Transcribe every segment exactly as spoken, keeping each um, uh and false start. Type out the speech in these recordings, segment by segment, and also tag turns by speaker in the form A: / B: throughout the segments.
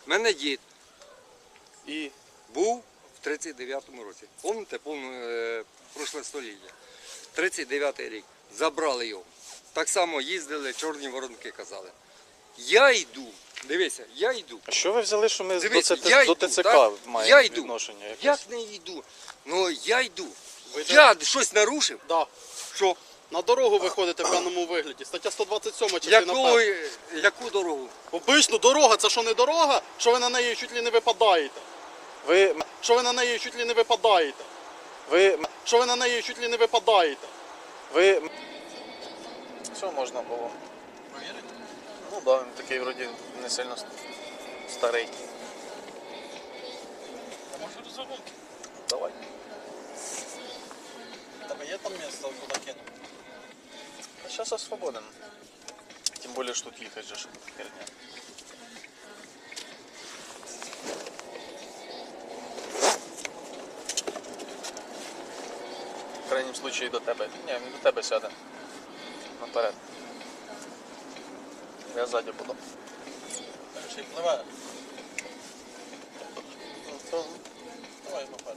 A: У мене дід
B: І
A: був в тридцять дев'ятому році. Пам'ятаєте, повне е, прошле століття. тридцять дев'ятий рік. Забрали його. Так само їздили, чорні воронки казали. Я йду, дивися, я йду.
B: а що ви взяли, що ми
A: Дивіться,
B: до,
A: я
B: до
A: йду,
B: ТЦК
A: так?
B: маємо
A: Я йду.
B: відношення? якесь?
A: Як не йду? Ну я йду.
C: Ви
A: Я щось нарушив?
C: Да.
A: Що?
C: На дорогу виходите в певному вигляді. Стаття сто двадцять сьома, частина
A: Яку,
C: перша.
A: яку дорогу?
C: Обично дорога, це що не дорога, що ви на неї чуть ли не випадаєте.
B: Ви,
C: Що ви на неї чуть ли не випадаєте.
B: ви,
C: Що ви на неї чуть ли не випадаєте.
B: ви... Що можна було? Ну да, він такий вроді не сильно старий. Давай.
C: Тебе є там місце, куди кинути?
B: Сейчас я свободен. Тем более, что тут ехать же херня. В крайнем случае до тебе. Ні, він до тебе сяде. Наперед. Я ззаді буду.
C: Ще й пливе.
B: Ну, то...
C: Давай попереду.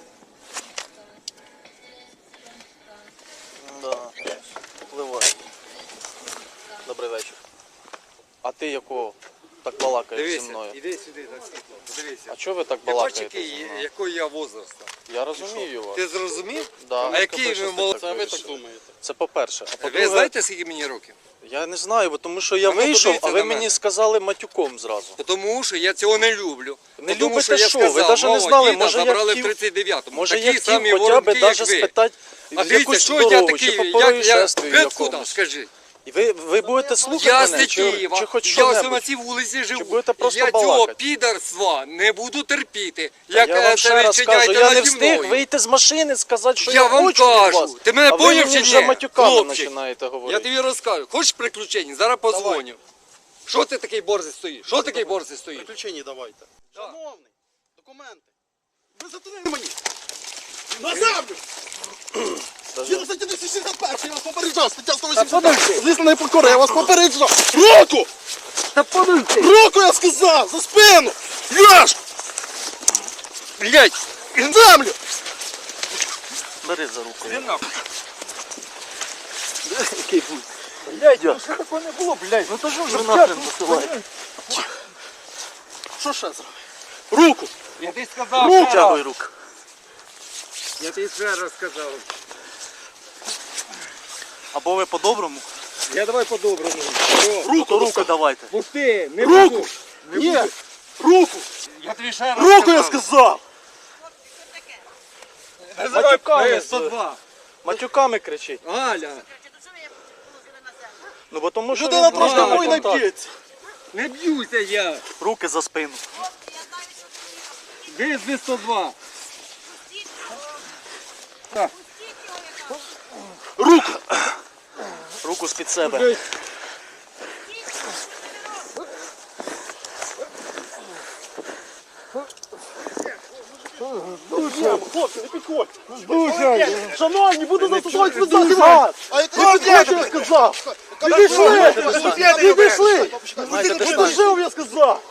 B: Да, впливає. Добрий вечір. А ти якого так балакаєш зі
A: Дивися,
B: мною?
A: іди сюди на світло. Подивися.
B: А чого ви так
A: Я бачу,
B: балакаєте зі
A: який,
B: мною?
A: якого я возраста.
B: Я розумію вас.
A: Ти зрозумів?
B: Да,
A: А який ви молодий?
C: Це ви так думаєте.
B: Це по-перше. А
A: Ви
B: по-друге,
A: знаєте, скільки мені років?
B: я не знаю, бо тому що я
A: А ну,
B: вийшов,
A: подивіться
B: а ви
A: на
B: мені
A: мене.
B: сказали матюком зразу.
A: Тому що я цього не люблю.
B: Не
A: Тому
B: любите
A: що я
B: що? Ви
A: сказав,
B: навіть не
A: мого
B: знали,
A: діда
B: може, я
A: забрали
B: хотів-
A: в тридцять дев'ятому.
B: Може
A: Такі
B: я хотів
A: самі
B: хоча
A: воронки,
B: б
A: як
B: навіть
A: ви.
B: спитати
A: А дивіться,
B: якусь
A: що я
B: дорогу,
A: такий,
B: чи по
A: як я,
B: происшествию
A: ви откуда,
B: якомусь.
A: скажи?
B: І ви, ви будете слухати
A: Я
B: мене,
A: з
B: чи,
A: Києва,
B: чи хоч
A: я ось на
B: що-небудь?
A: цій вулиці живу.
B: будете просто
A: я цього
B: балакати?
A: підарства не буду терпіти.
B: Я
A: Як
B: вам
A: е,
B: ще
A: це ви
B: раз кажу,
A: чиняєте
B: я не
A: наді
B: встиг
A: мною.
B: вийти з машини, сказати, що
A: Я
B: я,
A: вам
B: хочу від
A: кажу.
B: вас.
A: Ти мене
B: а ви
A: поняв
B: мені
A: чи
B: вже
A: ні?
B: матюками
A: Хлопчик,
B: починаєте
A: Я
B: говорити.
A: тобі розкажу. Хочеш приключень? Зараз подзвоню. Що ти такий борзий стоїш? Що такий борзий стоїш?
C: Приключення давайте.
A: Да.
C: Шановний, документи. Ви затулили мені. На землю! Згідно статті двісті шістдесят перша, я вас попереджав, стаття сто вісімдесят. Звісно, прокурор, я вас попереджав. Руку!
A: Та подумайте.
C: Руку, я сказав! За спину! Яш!
A: Блять,
C: На землю!
B: Бери за руку.
A: іди нахуй.
B: Який будь?
A: Блять, ну що такого не було, блять? Ну то що
B: Ви нахрен посилаєте?
C: Що ще зробив? Руку!
A: Я тобі сказав,
B: Руку
A: ще
B: тягуй
A: раз.
B: руку.
A: Я тобі ще раз сказав.
B: Або ви по-доброму.
A: Я давай по-доброму.
B: Руку, руку давайте.
A: Пусти, не
C: Руку!
A: буду. Не
C: Ні!
A: буду.
C: Руку!
A: Я тобі ще раз
C: Руку, я сказав!
A: Називай
B: Матюками
A: сто два.
B: Матюками кричить.
A: Галя,
B: Ну бо тому що
C: Людина
B: він
C: трошки
B: має
C: мой не
B: контакт.
C: б'ється.
A: не б'юся я.
B: Руки за спину.
A: Визви сто два.
C: Руку!
B: Руку з-під себе.
C: Хлопці, не підходьте! Шановні, буду застосовувати спеціальний газ! Не підходьте, я сказав! Підійшли! Підійшли!
B: Маєте дистанцію.
C: Підійшов, я сказав!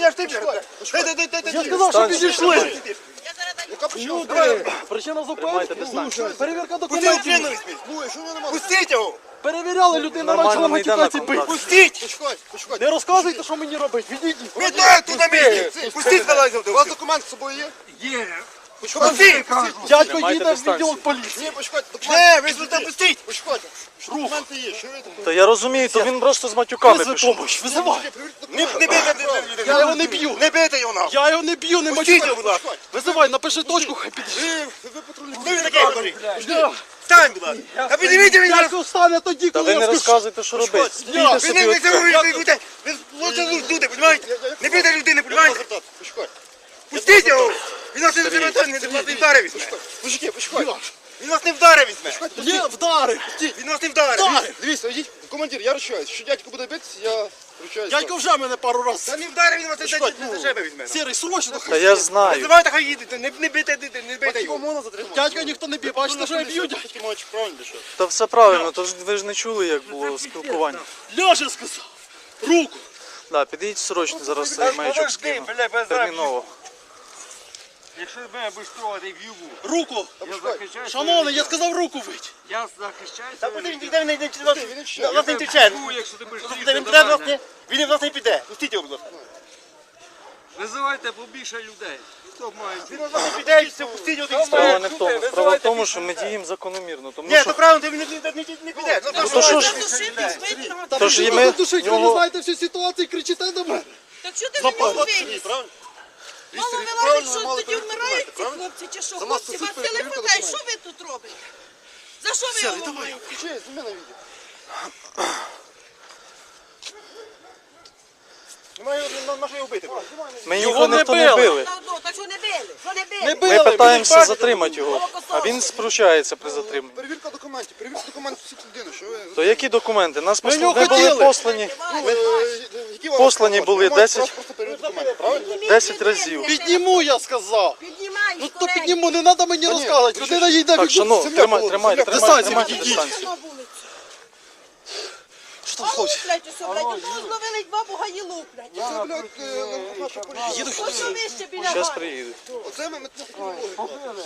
C: Я сказав, що підійшли! Люди, причина
B: Тримайте
C: зупинки.
B: дистанцію.
C: Перевірка документів.
D: Пустіть його!
C: Перевіряли, людина
B: Нормально
C: почала
B: не йде на
C: матюкатися бити.
B: контакт.
D: Пустіть!
C: Не розказуйте, що мені робити. Відійдіть.
D: Ви де тут на місці? Пустіть залазив! У вас документ з собою є?
A: Є.
D: Пустіть!
C: Дядько
B: Тримайте
C: їде в
B: дистанцію.
C: відділок поліції.
D: Ні, почекайте, документи! Не, ви тут пустіть! Почекайте! Документи є, що ви тут?
B: Та я розумію, то він просто з матюками
C: Визви
B: пішов.
C: помощь, визивай.
D: Не, не бийте людей!
C: Я його не б'ю.
D: Не бийте його нахуй!
C: Я його не б'ю, не
D: Пустіть
C: мочу.
D: його, будь ласка!
C: Визивай, напиши точку, хай підійде.
D: Ви, ви патрульні. Ви такий говорить! Встань, будь ласка! А підніміть мені!
C: Дядько встане тоді,
B: Та
C: коли
B: ви не
C: я скажу.
B: розказуєте, що робити.
C: Я-
B: Стійте
D: Ви
B: собі
D: не ви
B: от
D: це
B: так.
D: ви будете! Ви лучше люди, розумієте? Не бийте людини, розумієте? Пустіть його! Він нас не вдарив, він нас не вдарив візьме! Мужики, почекайте! Він нас не вдарив візьме!
C: Є, вдарив.
D: Він нас не вдарив!
C: Вдарив.
D: Дивіться, йдіть, командир, я ручаюсь. Що дядько буде битися, я ручаюсь.
C: Дядько вже мене пару раз.
D: Та не вдарив, він вас не
C: Почекайте,
D: за
C: ну,
D: себе візьме.
C: Сірий, срочно.
B: Та я знаю.
D: Називайте, хай їдете, не, не бийте, не, не бийте його.
C: можна затримати? Дядька ніхто не б'є, бачите, що я б'ю, дядько.
B: Та все правильно, то ж ви ж не чули, як було спілкування.
C: Ляже, сказав. Руку.
B: Да, підійдіть срочно, зараз
D: Та
B: цей маячок
D: подожди,
B: скину.
D: бля, без
B: Терміново.
D: Якщо мене будеш трогати в юбу,
C: Руку!
D: я захищаю.
C: Шановний, я сказав руку вить!
A: Я захищаю.
D: Та
A: своє
D: подивись,
A: життя.
D: ніде він не йде,
A: Я
D: нас не
A: тебе
D: втече.
A: б'ю, якщо ти будеш
D: Він
A: лізти
D: піде
A: до
D: в нас
A: мене.
D: не, він в нас не піде. Пустіть його, будь ласка.
A: Визивайте побільше людей. Хто має?
D: Він в нас не піде, і все, пустіть його. і
B: Справа
D: все.
B: не в тому. Справа в тому, що ми діємо закономірно. Тому
D: Ні,
B: що
D: то правильно, він не, не, не, не піде. Ну,
B: то що ж,
C: Та
B: Тож
C: ви
B: і
C: ж
B: ми
C: душить, ви
B: його-
C: не знаєте всю ситуацію, кричите до мене.
E: Так що ти на нього виліз?
C: Правильно?
E: Мало вилазить, що тоді вмирають ці хлопці, чи що? Хлопці, вас сили хватає, що ви тут робите? За що ви його ламаєте?
C: Включи, зніми на відео.
D: Немає його, на що його бити?
B: ми
C: Його
B: його
C: не
B: ніхто не
C: били.
B: били.
E: Та ну, так що не били? Що не били?
C: Не
B: Ми
C: били,
B: питаємося
C: ви
B: затримати його, а він спручається при затриманні.
F: Перевірка документів, перевірка документів всіх людини, що ви...
B: То які документи? Нас
C: Ми
B: посл-
C: його
B: ми були
C: хотіли.
B: послані
F: Ви, е, які вам
B: Послані
F: права?
B: були
F: Ви маєте
B: десять.
F: право просто перевірити документи, правильно?
E: Підніміть,
B: десять
E: підніміть,
B: разів.
E: підніміть.
C: Підніму, я сказав.
E: Піднімай,
C: Ну то
E: скоренько.
C: підніму, не треба мені розказувати. Людина їде
B: Так,
C: від
B: шановні,
F: земля
B: тримай,
F: була,
B: тримайте,
F: земля.
B: тримайте,
C: Дистанцію
B: тримайте
C: відійдіть.
B: дистанцію.
E: На вулицю.
C: Що там,
E: А ну,
C: хлопці?
E: блядь, усе, блядь, одного зловили два бугаїлу, блядь.
F: Це, блядь, е, наша поліція.
E: Ось що вище біля
B: Зараз
E: вас.
B: приїдуть.
F: Оце ми метно кримінологи.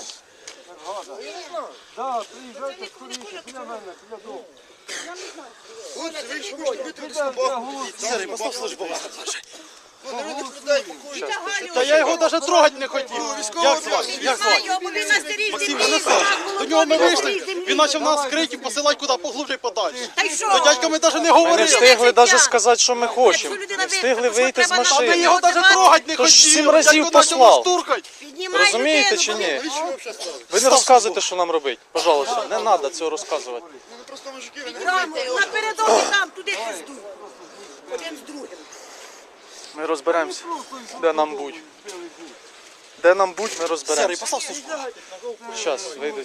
A: Так, приїжджайте скоріше, біля мене, біля дому.
F: Хлопці, ви що хочете бити в собаку?
C: Сергій, постав службу.
F: Ну, невинних людей, покої.
E: Тягаю.
C: Та я його навіть трогати не хотів.
F: військового
C: Як звати? Як звати?
E: Піднімай його, бо він на старій
C: Максим,
E: землі.
C: не знаю. До нього ми
E: Добре.
C: вийшли, він почав нас крики посилати куди поглубже і подальше.
E: Та й що?
C: До дядька ми навіть не
B: Ми не
C: говорили.
B: встигли навіть сказати, що ми хочемо.
E: Якщо людина
B: Не встигли
E: вийшла,
B: вийти з
E: то треба
C: Та ми
B: машини.
C: його навіть трогати не
B: То ж
C: хотіли.
B: сім разів
C: Дядько почав
B: послав.
C: нас штурхати.
E: Піднімай
B: Розумієте
E: людину,
B: чи
E: бо
B: ні?
E: він-
F: Навіщо ви взагалі стали?
B: Ви не розказуєте, що нам робити. Пожалуйста, не треба цього розказувати.
F: Ну, не просто мужики, ви не
E: Там, напередодні там, туди пізду. Один з другим.
B: Ми розберемося, де нам будь. Де нам будь, ми
C: Сергій,
B: розберемося.
C: постав службу.
B: Зараз вийдуть.